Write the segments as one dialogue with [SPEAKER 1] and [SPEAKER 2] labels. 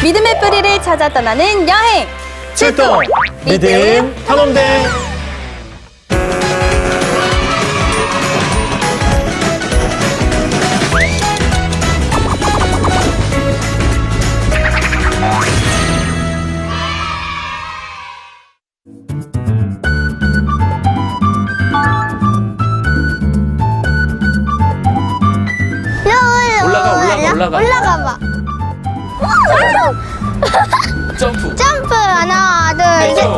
[SPEAKER 1] 믿음의 뿌리를 찾아 떠나는 여행
[SPEAKER 2] 출동 믿음 탐험대. 올라가.
[SPEAKER 3] 올라가 봐.
[SPEAKER 2] 점프.
[SPEAKER 3] 점프 하나 둘 셋.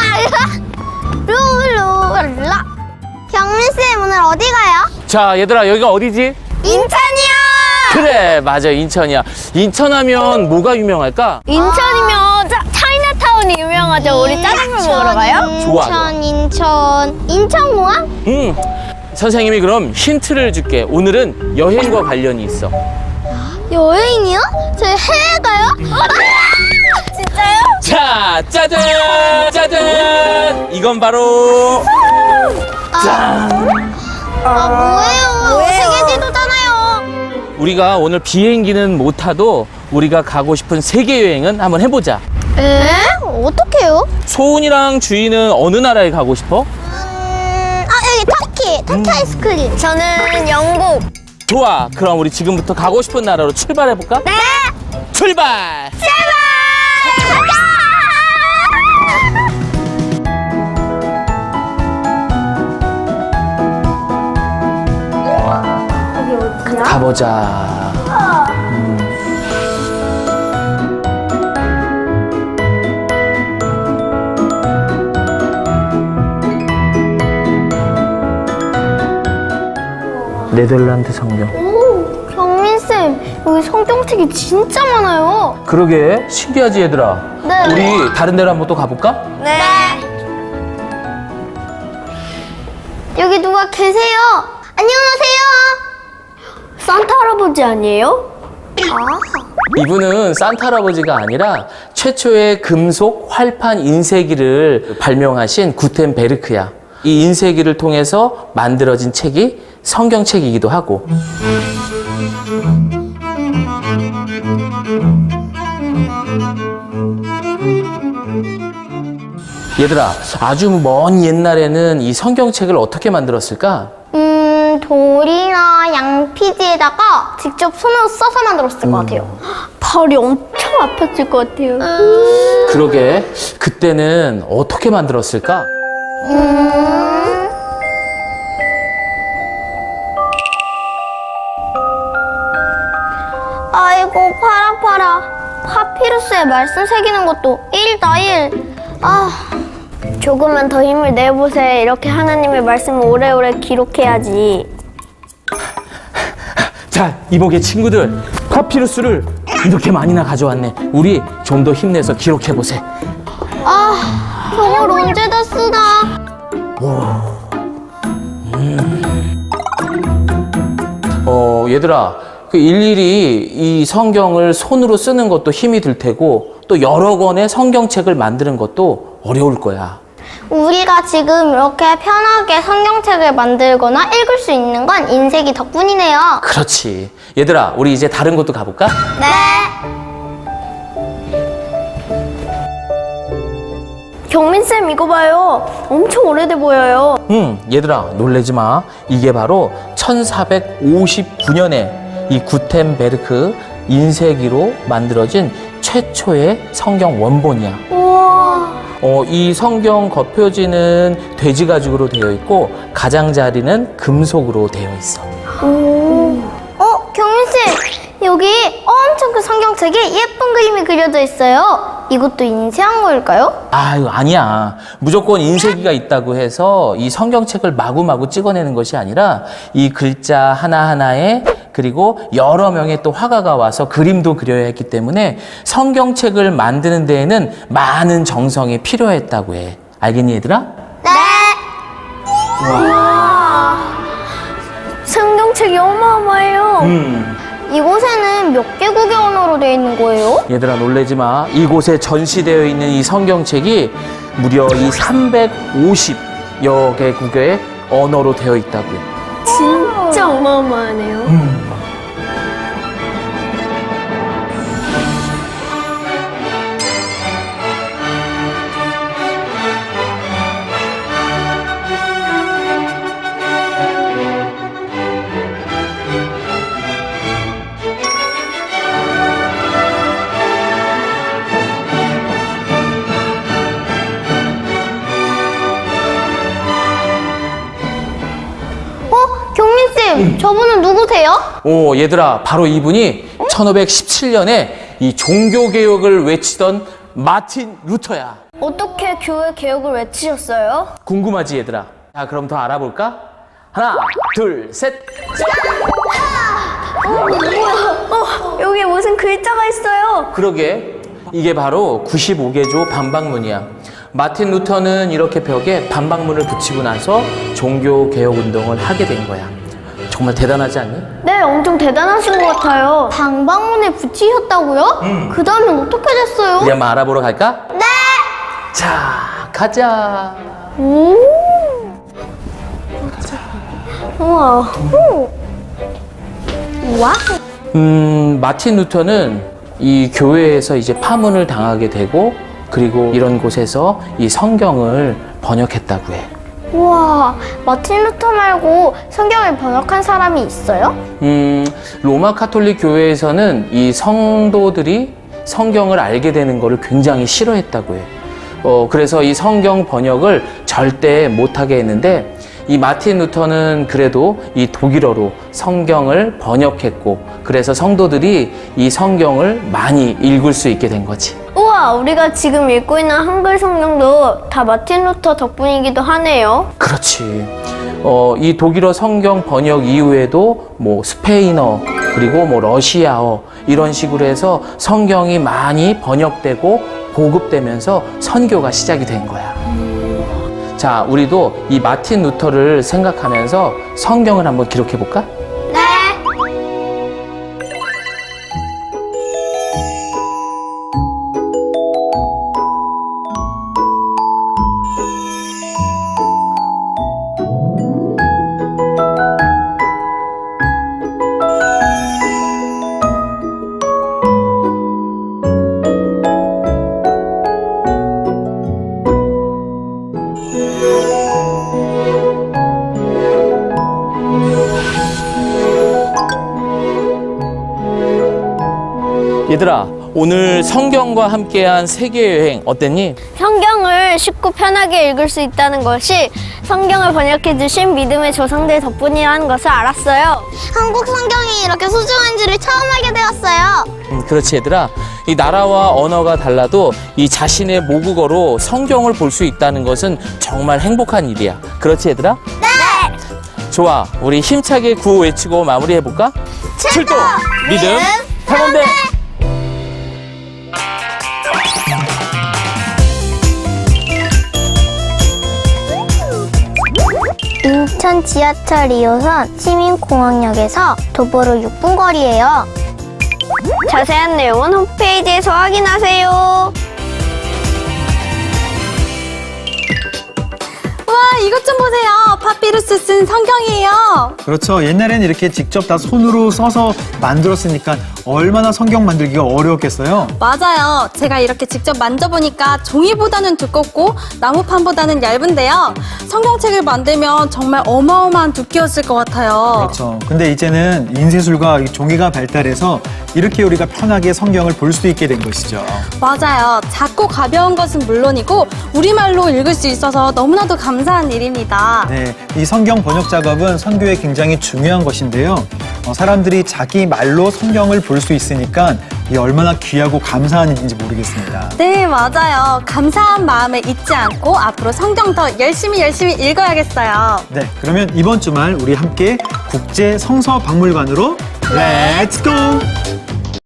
[SPEAKER 3] 룰루라. 경민쌤 오늘 어디 가요?
[SPEAKER 2] 자, 얘들아, 여기가 어디지?
[SPEAKER 3] 인천이요.
[SPEAKER 2] 그래, 맞아, 인천이야. 인천하면 뭐가 유명할까?
[SPEAKER 3] 인천이면 차이나타운이 유명하죠. 우리 짜장면 먹으러 가요?
[SPEAKER 2] 좋아.
[SPEAKER 3] 인천공항?
[SPEAKER 2] 선생님이 그럼 힌트를 줄게. 오늘은 여행과 관련이 있어.
[SPEAKER 3] 여행이요? 저희 해외 가요? 진짜요?
[SPEAKER 2] 자, 짜잔! 짜잔! 이건 바로 짠!
[SPEAKER 3] 뭐예요? 세계 지도잖아요.
[SPEAKER 2] 우리가 오늘 비행기는 못 타도 우리가 가고 싶은 세계 여행은 한번 해보자.
[SPEAKER 3] 에? 어떡해요?
[SPEAKER 2] 소은이랑 주희는 어느 나라에 가고 싶어?
[SPEAKER 3] 여기 터키 아이스크림. 저는 영국.
[SPEAKER 2] 좋아. 그럼 우리 지금부터 가고 싶은 나라로 출발해볼까?
[SPEAKER 3] 네.
[SPEAKER 2] 출발! 가보자. 네덜란드 성경.
[SPEAKER 3] 오, 경민쌤, 여기 성경책이 진짜 많아요.
[SPEAKER 2] 그러게, 신기하지 얘들아?
[SPEAKER 3] 네.
[SPEAKER 2] 우리 다른 데로 한번 또 가볼까?
[SPEAKER 3] 네. 여기 누가 계세요? 안녕하세요. 산타 할아버지 아니에요?
[SPEAKER 2] 이분은 산타 할아버지가 아니라 최초의 금속 활판 인쇄기를 발명하신 구텐베르크야. 이 인쇄기를 통해서 만들어진 책이 성경책이기도 하고. 얘들아, 아주 먼 옛날에는 이 성경책을 어떻게 만들었을까?
[SPEAKER 3] 돌이나 양피지에다가 직접 손으로 써서 만들었을 것 같아요. 발이 엄청 아팠을 것 같아요.
[SPEAKER 2] 그러게, 그때는 어떻게 만들었을까?
[SPEAKER 3] 아이고, 팔 아파라. 파피루스에 말씀 새기는 것도 1다 1. 조금만 더 힘을 내보세요. 이렇게 하나님의 말씀을 오래오래 기록해야지.
[SPEAKER 2] 자, 이복의 친구들, 파피루스를 이렇게 많이나 가져왔네. 우리 좀 더 힘내서 기록해보세.
[SPEAKER 3] 저걸 언제 다 쓰나?
[SPEAKER 2] 얘들아, 그 일일이 이 성경을 손으로 쓰는 것도 힘이 들 테고, 또 여러 권의 성경책을 만드는 것도 어려울 거야.
[SPEAKER 3] 우리가 지금 이렇게 편하게 성경책을 만들거나 읽을 수 있는 건 인쇄기 덕분이네요.
[SPEAKER 2] 그렇지. 얘들아, 우리 이제 다른 곳도 가볼까?
[SPEAKER 3] 네. 경민쌤, 이거 봐요. 엄청 오래돼 보여요.
[SPEAKER 2] 얘들아, 놀라지 마. 이게 바로 1459년에 이 구텐베르크 인쇄기로 만들어진 최초의 성경 원본이야.
[SPEAKER 3] 우와.
[SPEAKER 2] 이 성경 겉표지는 돼지 가죽으로 되어 있고 가장자리는 금속으로 되어 있어.
[SPEAKER 3] 경민쌤, 여기 엄청 큰 성경책에 예쁜 그림이 그려져 있어요. 이것도 인쇄한 거일까요?
[SPEAKER 2] 아유, 아니야. 무조건 인쇄기가 있다고 해서 이 성경책을 마구마구 찍어내는 것이 아니라 이 글자 하나하나에 그리고 여러 명의 또 화가가 와서 그림도 그려야 했기 때문에 성경책을 만드는 데에는 많은 정성이 필요했다고 해. 알겠니, 얘들아?
[SPEAKER 3] 네. 와. 성경책이 어마어마해요. 이곳에는 몇 개국의 언어로 되어 있는 거예요?
[SPEAKER 2] 얘들아, 놀라지 마. 이곳에 전시되어 있는 이 성경책이 무려 이 350여 개국의 언어로 되어 있다고요.
[SPEAKER 3] 진짜 어마어마하네요. 저분은 누구세요?
[SPEAKER 2] 오, 얘들아, 바로 이분이 1517년에 이 종교개혁을 외치던 마틴 루터야.
[SPEAKER 3] 어떻게 교회 개혁을 외치셨어요?
[SPEAKER 2] 궁금하지, 얘들아? 자, 그럼 더 알아볼까? 하나, 둘, 셋.
[SPEAKER 3] 여기 무슨 글자가 있어요?
[SPEAKER 2] 그러게, 이게 바로 95개조 반박문이야. 마틴 루터는 이렇게 벽에 반박문을 붙이고 나서 종교개혁 운동을 하게 된 거야. 정말 대단하지 않니?
[SPEAKER 3] 네, 엄청 대단하신 것 같아요. 방방문에 붙이셨다고요? 그 다음엔 어떻게 됐어요?
[SPEAKER 2] 우리 한번 알아보러 갈까?
[SPEAKER 3] 네!
[SPEAKER 2] 자, 가자.
[SPEAKER 3] 오! 우와. 우와.
[SPEAKER 2] 마틴 루터는 이 교회에서 이제 파문을 당하게 되고, 그리고 이런 곳에서 이 성경을 번역했다고 해.
[SPEAKER 3] 우와, 마틴 루터 말고 성경을 번역한 사람이 있어요?
[SPEAKER 2] 로마 카톨릭 교회에서는 이 성도들이 성경을 알게 되는 것을 굉장히 싫어했다고 해. 그래서 이 성경 번역을 절대 못하게 했는데, 이 마틴 루터는 그래도 이 독일어로 성경을 번역했고, 그래서 성도들이 이 성경을 많이 읽을 수 있게 된 거지.
[SPEAKER 3] 우와, 우리가 지금 읽고 있는 한글 성경도 다 마틴 루터 덕분이기도 하네요.
[SPEAKER 2] 그렇지. 이 독일어 성경 번역 이후에도 뭐 스페인어, 그리고 뭐 러시아어, 이런 식으로 해서 성경이 많이 번역되고 보급되면서 선교가 시작이 된 거야. 자, 우리도 이 마틴 루터를 생각하면서 성경을 한번 기록해 볼까?
[SPEAKER 3] 네.
[SPEAKER 2] 얘들아, 오늘 성경과 함께한 세계여행 어땠니?
[SPEAKER 3] 성경을 쉽고 편하게 읽을 수 있다는 것이 성경을 번역해 주신 믿음의 조상들 덕분이라는 것을 알았어요. 한국 성경이 이렇게 소중한지를 처음 알게 되었어요.
[SPEAKER 2] 그렇지, 얘들아. 이 나라와 언어가 달라도 이 자신의 모국어로 성경을 볼 수 있다는 것은 정말 행복한 일이야. 그렇지, 얘들아?
[SPEAKER 3] 네.
[SPEAKER 2] 좋아, 우리 힘차게 구호 외치고 마무리해볼까? 출동! 믿음! 탐험대!
[SPEAKER 3] 인천 지하철 2호선 시민공항역에서 도보로 6분 거리예요. 자세한 내용은 홈페이지에서 확인하세요.
[SPEAKER 1] 와, 이것 좀 보세요. 파피루스 쓴 성경이에요.
[SPEAKER 4] 그렇죠. 옛날에는 이렇게 직접 다 손으로 써서 만들었으니까 얼마나 성경 만들기가 어려웠겠어요.
[SPEAKER 1] 맞아요. 제가 이렇게 직접 만져보니까 종이보다는 두껍고 나무판보다는 얇은데요. 성경책을 만들면 정말 어마어마한 두께였을 것 같아요.
[SPEAKER 4] 그렇죠. 근데 이제는 인쇄술과 이 종이가 발달해서 이렇게 우리가 편하게 성경을 볼 수 있게 된 것이죠.
[SPEAKER 1] 맞아요. 작고 가벼운 것은 물론이고 우리말로 읽을 수 있어서 너무나도 감사한 일입니다.
[SPEAKER 4] 네, 이 성경 번역 작업은 선교에 굉장히 중요한 것인데요. 사람들이 자기 말로 성경을 볼 수 있으니까 이 얼마나 귀하고 감사한 일인지 모르겠습니다.
[SPEAKER 1] 네, 맞아요. 감사한 마음을 잊지 않고 앞으로 성경 더 열심히 읽어야겠어요.
[SPEAKER 4] 네, 그러면 이번 주말 우리 함께 국제 성서 박물관으로 렛츠 고!